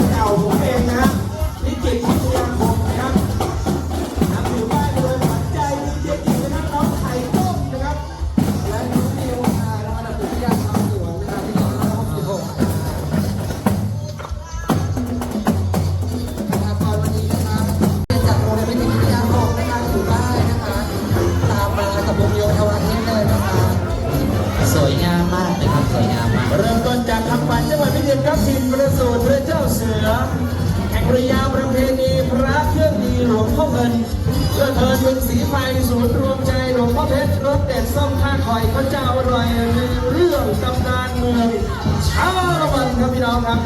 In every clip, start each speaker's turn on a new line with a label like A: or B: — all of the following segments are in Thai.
A: นเก่าผมเองนะฮะนิจิตพิทยาคมนะครับนำถือป้ายเลยขวัญใจดีเจจินะครับน้องไข่ต้มนะครับและน้องนิวระดับวิทยาชาวสวนนะครับที่266นะครับตอนวันนี้นะครับจากโรงเรียนพิทยาคมนะครับถือป้ายนะคะตามมากับวงโยธวาทิตเลยนะครับ
B: สวยงามมากเลยครับสวยงามมาก
A: เริ่มต้นจากคำปันจังหวัดพิจิตรครับถิ่นประสูติพระเจ้าเสือแห่งระยาประเพณีพระเครื่องดีหลวงพ่อเงินเพื่อเทินเป็นสีไฟศูนย์รวมใจหลวงพ่อเพชรรสเด็ดส้มข้าคอยพระเจ้าอร่อยเรื่องตำนานเมืองชาละวันครับพี่น้องครับ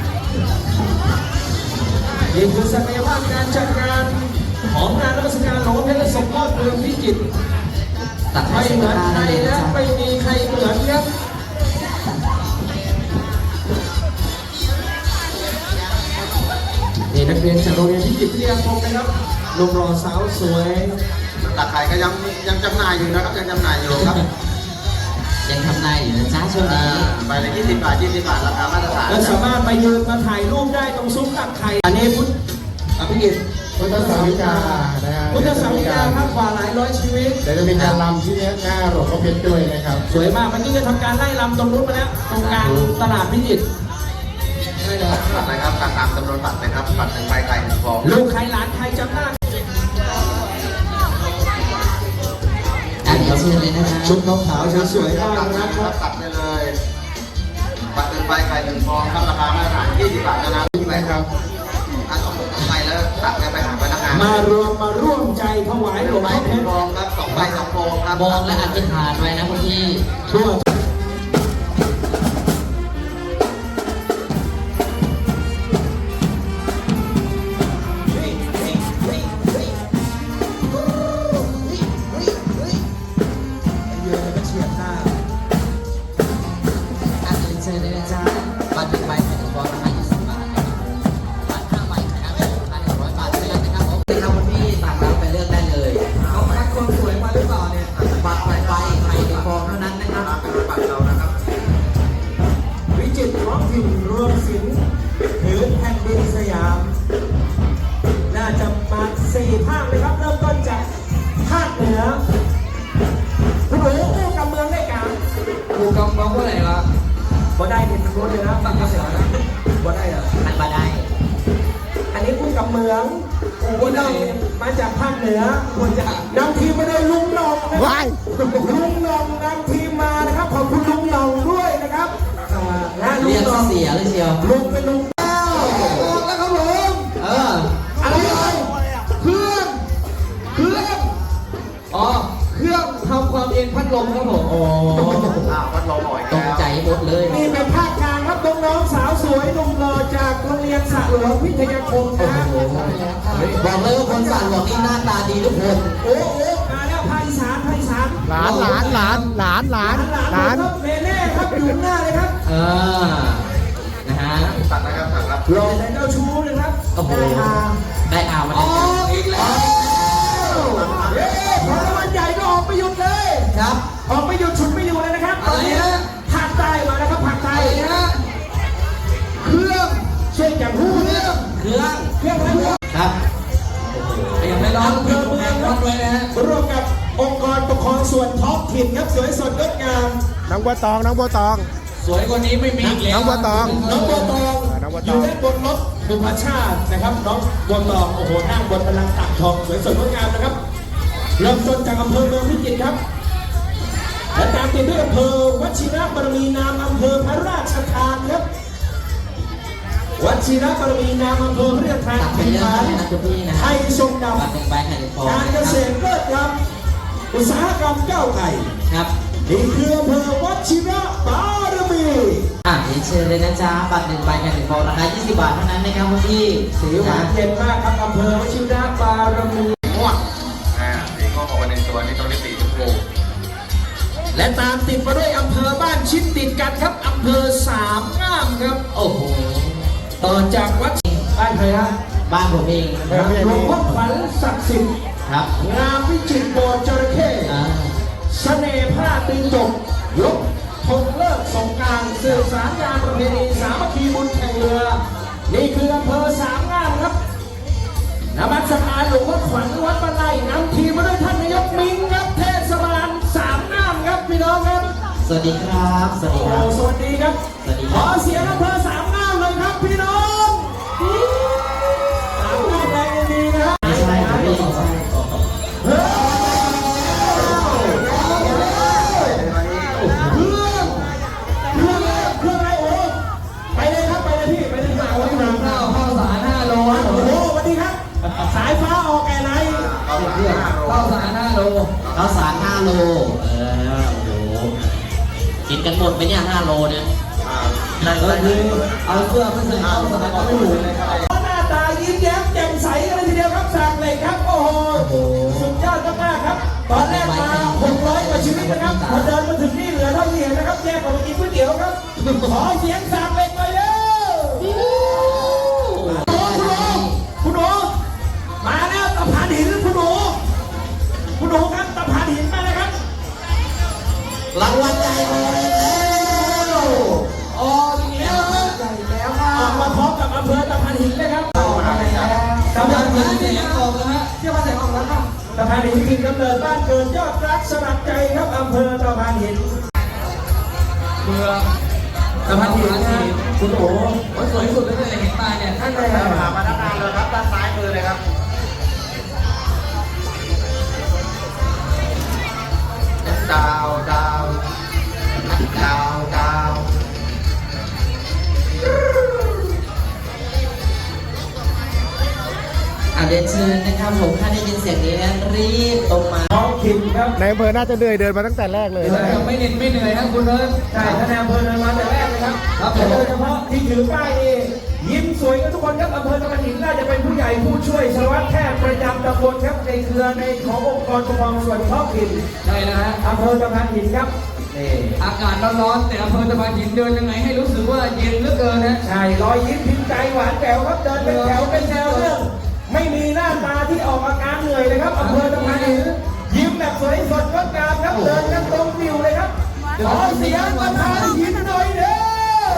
A: นี่คือศักยภาพการจัดงานของงานรัชกาลหลวงพ่อเพชรสมโภชเมืองพิจิตรไม่เหมือนใครนะไม่มีใครเหมือนครับนี่นักเรียนจากโรงเรียนพิจิตรวิทยาคมนะครับหนุ่มหล่อสาวสวย
C: ตะไคร้ก็ยังจำหน่ายอยู่นะครับยังจำหน่ายอยู่ครับ
B: ยังทำนายอยู่นะจ้าช่วงนี้
C: ไปเลย20 บาทราคามาตรฐาน
A: และสามารถมายืนมาถ่ายรูปได้ตรงซุ้มตักไข่อันนี้พุทธพิจิตร
D: พุทธสาวิกา
A: พุทธสาวิกาครับกว่าหลายร้อยชีวิต
D: เดี๋ยวจะมีการรำที่หน้าหลวงพ่อเพชรด้วยนะครับ
A: สวยมากเมื่อกี้จะทำการไล่รำตรงนู้นมาแล้วตรงกลางตลาดพิจิตร
C: ใช่แล้วบัตรนะครับตามจำนวนบัตรนะครับบัตร1 ใบไข่1 ฟอง
A: ลูกใครหลานใครจำได้
B: เดี๋ยวเชิญเลยนะครับ
A: ชุดขาวๆสวยๆมากนะครับ
C: ตัดได้เลยบัตร1 ใบไข่1 ฟองครับราคามาตรฐาน20 บาทนะ
D: นะครับ
C: ต้องไปแล้วตัดไปหาพนักงาน
A: มาร่วมใจถวายหลวงพ่อเพชร
C: ฟองครับ2 ใบ 2 ฟองครับ
B: มองและอธิษฐานไว้นะคุณพี่
A: ทั่ว
B: เชิญเลยนะจ๊ะบัตร1 ใบไข่1 ฟองราคา20 บาทบัตร5 ใบไข่100 บาทเท่านั้นนะครับผมนะครับคุณพี่ต่างรับไปเลือกได้เลย
A: เขาคัดคนสวยมาหรือเปล่าเนี่ย
B: บัตร1 ใบไข่1 ฟองเท่านั้นนะครับ
C: เป็นบัตรเรานะครับ
A: วิจิตรท้องถิ่นรวมศิลป์ถือแผ่นดินสยามน่าจะมา4 ภาคเลยครับเริ่มต้นจากภาคเหนือคุณหนูกู้กำเมืองได้กลาง
B: กูกำเมืองว่าอะไรล่ะ
A: บ่ได้เห็นรถเลยนะฟังกระเสือนะบ่ได้เหรอ
B: มันบ่ได้
A: อันนี้กู้กำเมืองกูได้มาจากภาคเหนือคนจะนำทีมมาโดยลุงหน่องนะครับลุงหน่องนำทีมมานะครับขอบคุณลุงหน่องด้วยนะครับ
B: เรียกเสียเลยเชียว
A: ลุงเป็นลุงเต้าบอกแล้วครับผมอะไรเครื่องอ๋อเครื่องทำความเย็นพัดลมครับผม
C: พัดลมหน่อย
B: ตกใจหมดเลย
A: นี่เป็นภาคกลางครับน้องๆสาวสวยหนุ่มหล่อจากโรงเรียนสระหลวงวิทยาคมนะ
B: บอกเลยว่าคนสระหลวงนี่หน้าตาดีทุกคน
A: โอ้มาแล้วภาคอีสาน
D: หลานเ
A: น่ครับอยู่หน้าเลยครับ
B: นะฮะ
C: ตัดนะครับตัดครับ
A: รอแต่เจ้าชู้นะครับ
B: ได้อามา
A: อีกแล้วพอรางวัลใหญ่ก็ออกไปหยุดเลย
B: ครับ
A: ออกไปหยุดฉุดไม่อยู่เลยนะครับตอนนี้ภาคใต้มาแล้วครับภาคใต้นะเครื่องช่วยอย่างหูเครื่อง
B: ครับ
A: ยังไม่ร้องเพิ่มเมืองครับเลยนะฮะร่วมกับองค์กรปกครองส่วนท้องถิ่นครับสวยสดงดงาม
D: น้องบัวตอง
A: สวยกว่านี้ไม่มีอีกแล้ว
D: น้องบัวตอง
A: อยู่ด้านบนรถบุพชาตินะครับน้องบัวตองโอ้โหนั่งบนพลังตักทองสวยสดงดงามนะครับเริ่มต้นจากอำเภอเมืองพิจิตรครับและตามติดด้วยอำเภอวชิรบารมีนามอำเภอพระราชทานครับวชิรบารมีนามอำเภอพระราชทาน
B: เป็นฐาน
A: ไทยทรงดำการเกษตรเลิศครับอุตสาหกรรมก้าวไกล
B: ครับ
A: นี่คืออำเภอวชิรบารมี
B: เชิญเลยนะจ๊ะบัตร1 ใบไข่1 ฟองราคา20 บาทเท่านั้นนะครับคุณพี่
A: สีหวานเย็นมากครับอำเภอวชิรบารมี
C: ม่วงสีก็ออกมาในตัวนี้ต้องได้สีชมพู
A: และตามติดมาด้วยอำเภอบ้านชิดติดกันครับอำเภอสามงามครับ
B: โอ้โห
A: ต่อจากวัดบ้านใครฮะ
B: บ้านผมเอง
A: หลวงพ่อขวัญศักดิ์สิทธิ์
B: ครับ
A: งามวิจิตรโบสถ์จระเข้เสน่ห์ผ้าตีจกยกธงเลิกสงกรานต์สื่อสารงานประเพณีสามัคคีบุญแข่งเรือนี่คืออำเภอสามงามครับนมัสการหลวงพ่อขวัญวัดบ้านไร่นำทีมมาด้วยท่านนายกมิงครับเทศบาลสามงามครับพี่น้องครับ
B: สวัสดีครับ สวัสดีค
A: โอ้
B: รับ
A: สวัสดีครับ
B: สวัสดี
A: ข
B: ครั
A: อบ เสียงอำเภอสามงามเลยครับพี่น้องสามงามแรงดีนะครับ
B: ไม่ใช่ครับพี่
A: เฮ้ยเครื่องอะไรโอ้ไปเลยครับไปเลยพี่ไปเลยค่ะโอ้ยหนัง
B: ข้าวสาร5 โล
A: โอ้โหสวัสดีครับ สายฟ้าออกแก่ไหน
B: ข้าวสาร5 โลข้าวสาร5 โลโอ้โหกินกันหมดไหมเนี่ย5 โลเนี่ยก็คือเอาเสื้อไปใส่ข้าวสารก็ไม่ถูกเลยครับ
A: หน้าตายิ้มแย้มแจ่มใสกันเลยทีเดียวครับสากเหล็กครับโอ้โหสุดยอดมากๆครับ ตอนแรกมา600 กว่าชีวิตนะครับพอเดินมาถึงนี่เหลือเท่าที่เห็นนะครับแยกออกมากินก๋วยเตี๋ยวครับขอเสียงสากเหล็กหน่อยเร็วคุณหนูมาแล้วตะพานหินคุณหนูครับตะพานหินมาแล้วครับ
B: รางวัลใหญ่ออกแล้วออกแล้วครับ
A: ออกมาพร้อมกับอำเภอตะพานหินเลยครับ
B: กำลังเสียงออกแล้วฮะเชื่อว่าเสียงออกแล้วครับ
A: ตะพานหินคือกำเนิดบ้านเกิดยอดรักสลักใจครับอำเภอตะพานหิน
B: เมือง
A: ตะพานหินนะคุณโอ๋
B: สวยสุดเลยเห็นตาเนี่ยท่านเลย
C: มาด้านหน้าเลยครับด้านซ้ายมือเลยครับดาวดาวดาวดาว
B: เรียนเชิญนะครับผมถ้าได้ยินเสียงนี้นะรีบตรงมา
A: ท้องถิ่นครับ
D: ในอำเภอน่าจะเหนื่อยเดินมาตั้งแต่แรกเลยนะ
B: ไม่เหน็ดไม่เหนื่อยนะคุณเอิญ
A: ใช่ท่านนายอำเภอเดินมาแต่แรกเลยครับ
B: ครับผม
A: โดยเฉพาะที่ถือป้ายนี่ยิ้มสวยกันทุกคนครับอำเภอตะพานหินน่าจะเป็นผู้ใหญ่ผู้ช่วยสารวัตรแพทย์ประจำตำบลครับในเครือในขององค์กรปกครองส่วนท้องถิ่น
B: ใช่นะฮะ
A: อำเภอตะพานหินครับนี่
B: อากาศร้อนๆแต่อำเภอตะพานหินเดินยังไงให้รู้สึกว่าเย็นเหลือเกินนะ
A: ใช่รอยยิ้มพิมพ์ใจหวานแจ๋วครับเดินเป็นแถวเป็นแนวเรื่องไม่มีหน้าตาที่ออกอาการเหนื่อยเลยครับอำเภอตะพานหินยิ้มแบบสวยสดงดงามครับเดินกันตรงฟิวเลยครับขอเสียงตะพานหินหน่อยเด้อ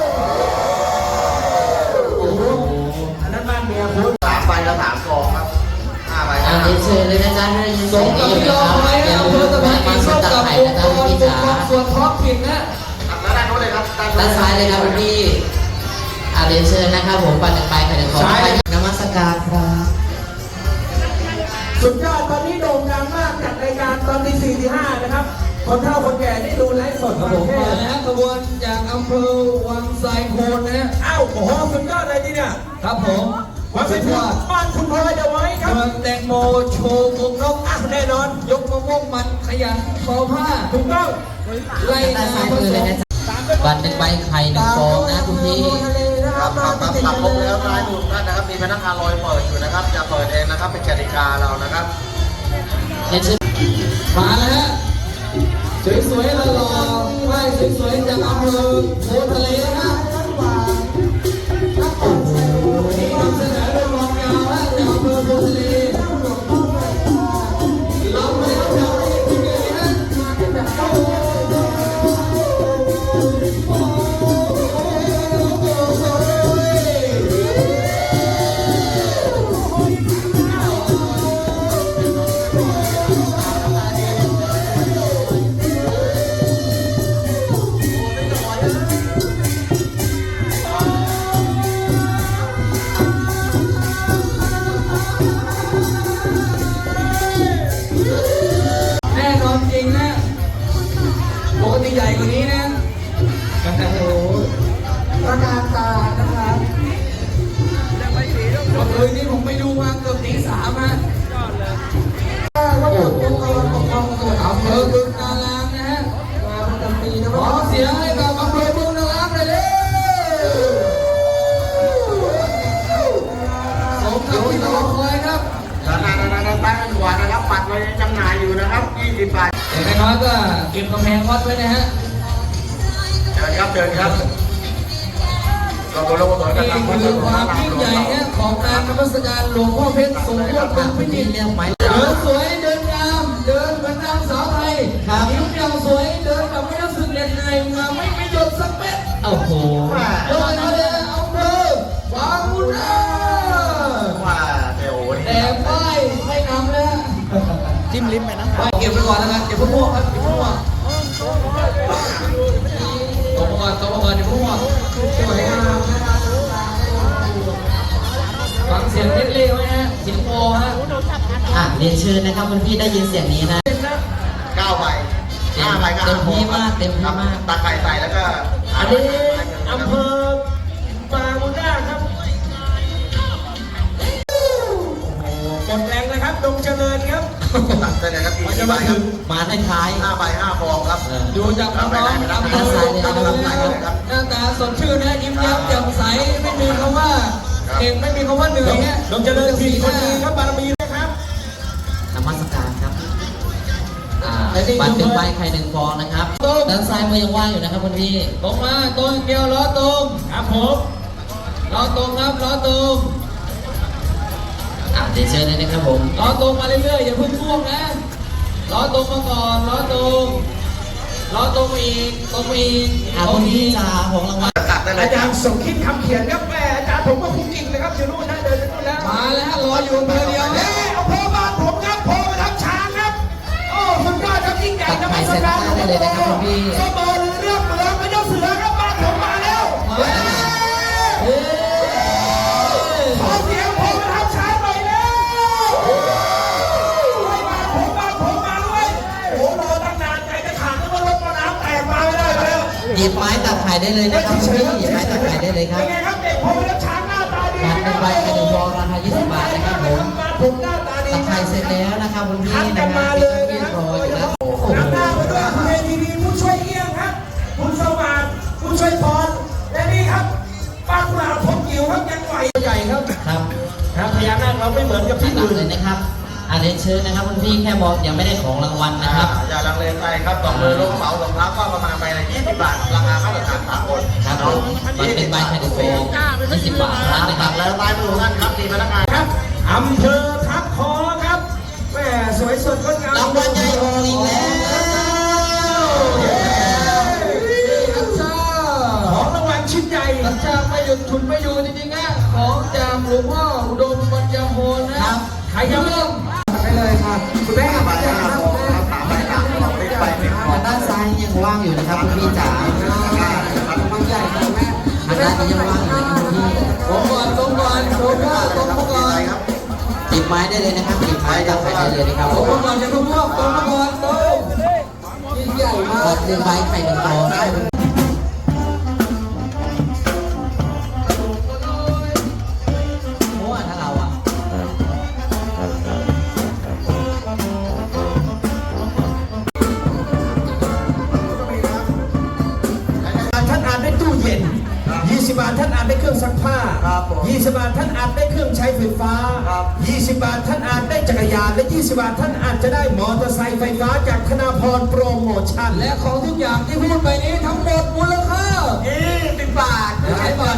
A: โอ้โหอันนั้นบ้านเมียคุณ
C: 3 ใบและ3 ซองครับ5 ใบ
B: เรียนเชิญเลยนะจ๊ะถ้าได้ยินเสียงนี้อยู่นะครับอย่าลืมมาสตัดไข่นะจ๊ะพี่จ๋า
A: ส่วนท้องถิ่นนะ
C: แล้วด้านโน้นเลยครับ
B: ด้านซ้ายเลยครับคุณพี่เรียนเชิญนะครับผมปัดไปไข่ของนมัสการครับ
A: สุดยอดตอนนี้โด่งดังมากจัดรายการตอนที่4ที่5นะครับคนเฒ่าคนแก่ได้ดูไลฟ์สดครับผม
B: มาแล้วขบวนจากอำเภอวังไซโคนนะ
A: อ้าวโอ้โหสุดยอดเลยทีเนี่ย
B: ครับผม
A: มาเป็นถึงบ้านคุณพลอยเดี๋ยวไว้ครับ
B: เมืองแตงโมโชว์วงนก
A: อ่ะแน่นอน
B: ยกมะม่วงมันขยันทอผ้า
A: ถูกต้อง
B: ไล่นาผสมบัตร1 ใบไข่1 ฟองนะคุณพี่
C: ครับปรับครบแล้วรายหนุนท่านนะครับ มีพนักงานลอยเปิดอยู่นะครับ จะเปิดเองนะครับ เป็นกติกาเรานะครับ
B: เรียนเชิญมาแล้วฮะสวยๆหล่อๆไหว้สวยๆจากอำเภอโพทะเลนะครับโอ้โหนี่นำเสนอโดยรองยาวฮะจากอำเภอโพทะเลเราไม่ได้ทำให้ที่นี่ฮะแน่นอนจริงนะปกติใหญ่กว่านี้นะโอ้โหประการตานะครับเมื่อคืนนี้ผมไปดูมาเกือบตี 3ฮะโอ้โหอำเภอบึงนารางนะฮะขอเสียงให้กับอำเภอบึงนารางเลยเด้สมกับที่รอคอยครับ
C: ด้านใต้กันขวานะครับปัดไว้จำหน่ายอยู่นะครับ20 บาท
B: อย่างน้อยก็เก็บกำแพงวัดไว้นะฮะ
C: เชิญครับเชิญครับเราโดนเราโดนกัน
B: นี่
C: ครับ
B: คือความยิ่งใหญ่นะของการนมัสการหลวงพ่อเพชรสงฆ์วัดบางพิจิตรเดินสวยเดินงามเดินเหมือนนางสาวไทยนิ้วเดียวสวยเดินแบบไม่รู้สึกเหน็ดเหนื่อยมาไม่หยุดสักเม็ด
E: โอ้โห
B: โดยทะเลอำเภอบางขุน
D: จิ้มลิ้มไปนะ
B: เก็บไปก่อนแล้วกันเก็บพวกพวกครับเก็บพวกพวกตบมาก่อนตบมาก่อนเดี๋ยวพวกพวกสวยงามนะครับฟังเสียงเล็กๆไว้ฮะเสียงโอฮะ
E: เรียนเชิญนะครับคุณพี่ได้ยินเสียงนี้นะ
C: 9 ใบ 5 ใบก็
E: เต็มที่มากเต็มที่มาก
C: ตักไข่ใส่แล้วก็
A: อันนี้อำเภอบางมุด้าครับโอ้โหกดแรงนะครับดงเจริญครับ
C: ตักได้เลยครับอีก4 ใบครับ
E: มาท้าย
C: 5 ใบ 5 ฟองครับ
B: ดูจากน้องๆทำดูหน้าตาสดชื่นนะยิ้มแย้มแจ่มใสไม่มีคำว่าเก่งไม่มีคำว่าเหนื่อยฮะ
A: ดงเจริญทีคนดีครับบารมีนะครับ
E: ๆนมัสการครับบัตรเป็นใบไข่1 ฟองนะครับด้านซ้ายมือยังว่างอยู่นะครับคุณพี่
B: ตรงมาตรงเดียวล้อตรง
A: ครับผม
B: ล้อตรงครับล้อตรง
E: เรียนเชิญเลยนะครับผม
B: ล้อตรงมาเรื่อยๆอย่าเพิ่งพ่วงนะล้อตรงมาก่อนล้อตรงล้อตรงอีกตรงอีก
E: คุณพี่จ๋าของรางวัล
C: ตักได้เลย
A: อาจารย์สมคิดคำเขียนครับแม่อาจารย์ผมก็คุ้มกิ่งเลยครับอยู่นู่นนะเดินไปนู่นแล้ว
B: มาแล้วรออยู่อำเภอเดียว
A: เฮ้ยอำเภอบ้านผมครับโพประทับช้างครับโอ้สุดยอดครับยิ่งใหญ่นะไม่สำคัญ
E: ได้เลยนะครับคุณพี่
A: เสมอเรื่องเมืองไม่ต้องเสือครับบ้านผมมาแล้วขอเสียงโพประทับช้างหน่อยแล้วบ้านผมมาด้วยโอ้รอตั้งนานใจจะขาดแล้วว่ารถน้ำแตกมาไม่ได้แล้ว
E: หยิบไม้ตัดไข่ได้เลยนะครับคุณพี่หยิบไม้ตัดไข่ได้เลยครับ
A: เป็นไงครับเด็กโพประทับช้างหน้าตาดี
E: บัตรเป็นใบไข่1 ฟองราคา20 บาทนะครับผม
A: ผมหน้าตาดี
E: ตัดไข่เสร็จแล้วนะครับคุณพี่
A: ทัก
E: นะ
A: กัน
E: ครั
A: มา
E: บ
A: เลย
E: เรี
A: นะ
E: ย
A: ครับ
E: บร้อยอยู่แล้วโอ้โห
A: น้ำหน้ามาด้วยคุณเอทีวีผู้ช่วยเอี้ยงครับคุณสวัสดิ์คุณช่วยพรและนี่ครับป้ากุหลาบพงจิ๋วครับยังไหวใหญ่ครับ
E: ครับ
A: ครับพญานาคเราไม่เหมือนกับที่
E: ตัด
A: อื่น
E: เลยนะครับเรียนเชิญนะครับคุณพี่แค่บอกยังไม่ได้ของรางวัลนะครับ
C: อย่าลังเลใจครับต่อมือลงเหมาสองเท้าก็ประมาณใบละ20 บาท ราคามาตรฐานสากล
E: ครับผมมันเป็นใบไข่1 ฟอง20 บาทเท่านั้นนะค
C: ตั
E: รับ
C: กแล้วลายมือของท่านครับมีพนักงาน
A: ครับอำเภอทับคอครับแม่สวยสดงดงาม
E: รางวัลใหญ่ออกอีกแล้ว
B: อัชชา
A: ของรางวัลชิ้นใหญ่
B: อัชชาไม่หยุดฉุดไม่อยู่จริงๆนะของจากหลวงพ่ออุดมปัญญาโพนะครับ
A: ใครยัง
B: เริ่ม
A: ไปเลยครับคุณแม่มาจากครับ
C: 3 ใบ 5 ฟองเล็กใบ1 ฟอง
E: ด้านซ้ายยังว่างอยู่นะครับคุณพี่จ๋า
B: มันใหญ่ของแม่
E: ทางด้านนี้ยังว่างอยู่นะครับคุณพี่
B: ตรงก่อนตรงก่อนตรงก่อนตรงก่อน
C: ครับ
E: หยิบไม้ได้เลยนะครับหยิบไม้ตัดไข่ได้เลยนะครับ
B: ตรงก่อนจะพุ่งพวกตรงก่อนตรงยิ่งใหญ่มาก
E: บัตร1 ใบไข่1 ฟองนะครับโอ้ถ้าเราอ่ะ
A: ท่านอ่านได้ตู้เย็น 20 บาทท่านอ่านได้เครื่องซักผ้า 20 บาทท่านอ่านได้เครื่องใช้ไฟฟ้า 20 บาทท่านอ่านได้จักรยาน และ 20 บาทท่านอาจจะได้มอเตอร์ไซค์ไฟฟ้าจากธนาพรโปรโมชั่น
B: และของทุกอย่างที่พูดไปนี้ทั้งหมดมูลค่า
C: 20 บาท
B: ใช้บาท